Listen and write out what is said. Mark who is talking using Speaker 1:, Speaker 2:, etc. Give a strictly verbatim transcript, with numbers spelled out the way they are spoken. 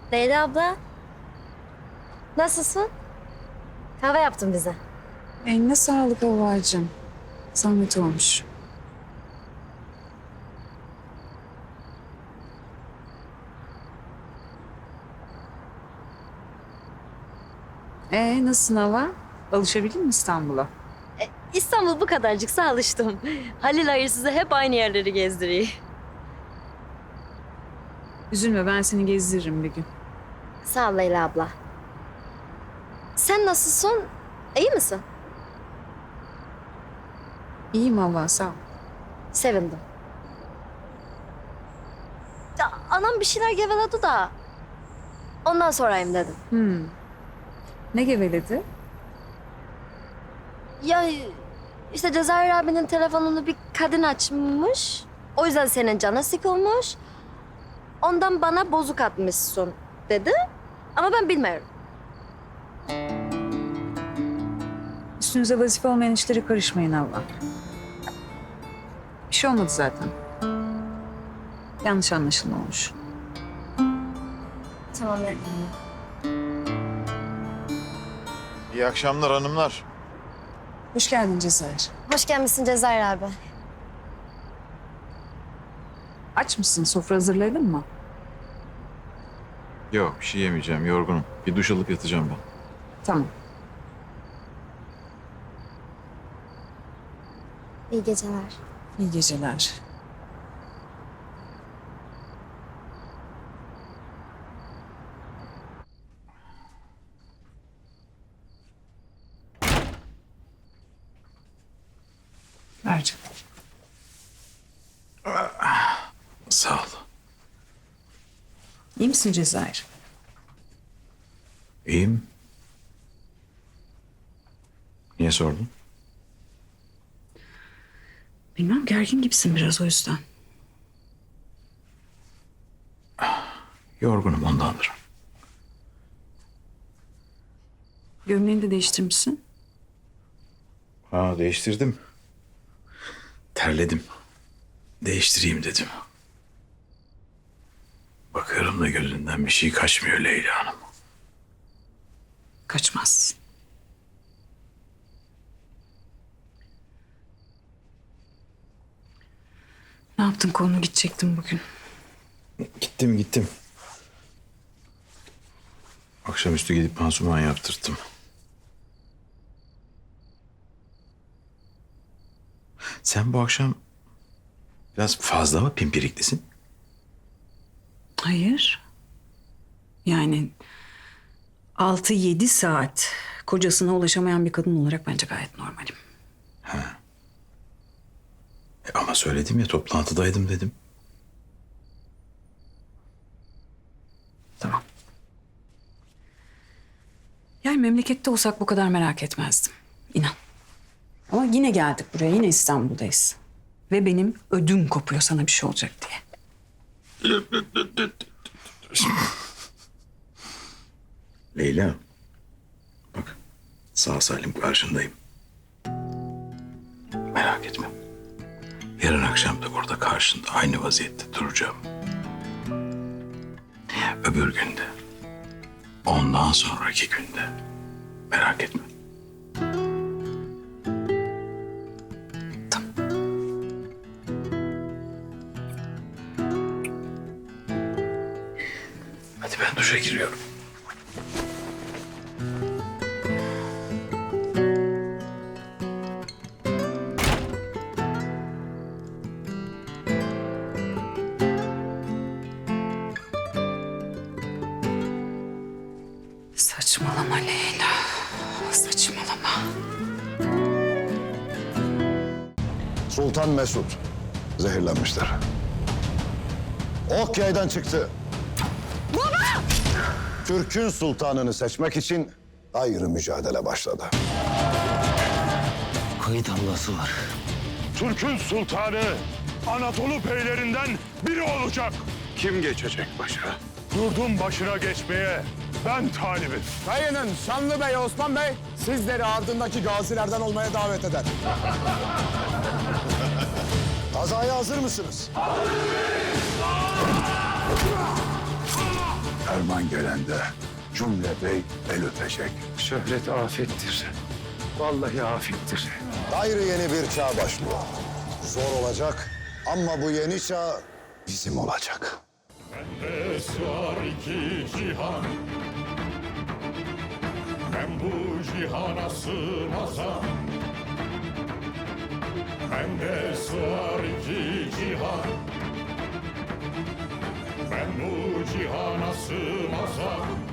Speaker 1: Leyla abla. Nasılsın? Kahve yaptın bize.
Speaker 2: Eline sağlık Havvacığım. Zahmet olmuş. Ee, nasılsın hava? Alışabildin mi İstanbul'a?
Speaker 1: İstanbul bu kadarcıksa alıştım. Halil Hayır size hep aynı yerleri gezdiriyor.
Speaker 2: Üzülme, ben seni gezdiririm bir gün.
Speaker 1: Sağ ol Leyla abla. Sen nasılsın? İyi misin?
Speaker 2: İyiyim Havva, sağ ol.
Speaker 1: Sevindim. Ya, anam bir şeyler geveledi da. Ondan sorayım dedim.
Speaker 2: Hmm. Ne geveledi?
Speaker 1: Ya işte Cezayir abinin telefonunu bir kadın açmış. O yüzden senin canı sıkılmış. Ondan bana bozuk atmışsın dedi. Ama ben bilmiyorum.
Speaker 2: Üstünüze vazife olmayan işlere karışmayın Havva. Bir şey olmadı zaten. Yanlış anlaşılma olmuş.
Speaker 1: Tamam.
Speaker 3: İyi akşamlar hanımlar.
Speaker 2: Hoş geldin Cezayir.
Speaker 1: Hoş gelmişsin Cezayir abi.
Speaker 2: Aç mısın? Sofra hazırladın mı?
Speaker 3: Yok bir şey yemeyeceğim, yorgunum. Bir duş alıp yatacağım ben.
Speaker 2: Tamam.
Speaker 1: İyi geceler.
Speaker 2: İyi geceler. Ver canım.
Speaker 3: Sağ ol.
Speaker 2: İyi misin Cezayir?
Speaker 3: İyiyim. Niye sordun?
Speaker 2: Bilmem, gergin gibisin biraz o yüzden.
Speaker 3: Yorgunum ondandır.
Speaker 2: Gömleğini de değiştirmişsin.
Speaker 3: Ha değiştirdim. Terledim. Değiştireyim dedim. Bakıyorum da gözünden bir şey kaçmıyor Leyla Hanım.
Speaker 2: Kaçmaz. Ne yaptın, kolunu gidecektin bugün?
Speaker 3: Gittim gittim. Akşamüstü gidip pansuman yaptırttım. Sen bu akşam biraz fazla mı pimpiriklisin?
Speaker 2: Hayır. Yani altı yedi saat kocasına ulaşamayan bir kadın olarak bence gayet normalim.
Speaker 3: E ama söyledim ya toplantıdaydım dedim.
Speaker 2: Tamam. Yani memlekette olsak bu kadar merak etmezdim. İnan. Ama yine geldik buraya. Yine İstanbul'dayız. Ve benim ödüm kopuyor sana bir şey olacak diye.
Speaker 3: Leyla. Bak sağ salim karşındayım. Merak etme. Yarın akşam da burada karşında aynı vaziyette duracağım. Öbür günde. Ondan sonraki günde. Merak etme.
Speaker 2: Tamam.
Speaker 3: Hadi ben duşa giriyorum.
Speaker 2: Saçmalama Leyla. Saçmalama.
Speaker 4: Sultan Mesut zehirlenmiştir. Ok yaydan çıktı. Baba! Türk'ün sultanını seçmek için ayrı mücadele başladı.
Speaker 5: Kayıt ablası var.
Speaker 6: Türk'ün sultanı Anadolu beylerinden biri olacak.
Speaker 3: Kim geçecek başa?
Speaker 6: Yurdun başına geçmeye ben talibim.
Speaker 7: Kayının Şanlı Bey Osman Bey sizleri ardındaki gazilerden olmaya davet eder.
Speaker 4: Kazaya hazır mısınız? ferman gelende cümle bey el öpecek.
Speaker 5: Şöhret afettir. Vallahi afettir.
Speaker 4: Gayrı yeni bir çağ başlıyor. Zor olacak ama bu yeni çağ bizim olacak.
Speaker 6: Sığar iki cihan. Ben bu cihana sığmazam. Bende sığar iki cihan. Ben bu cihana sığmazam.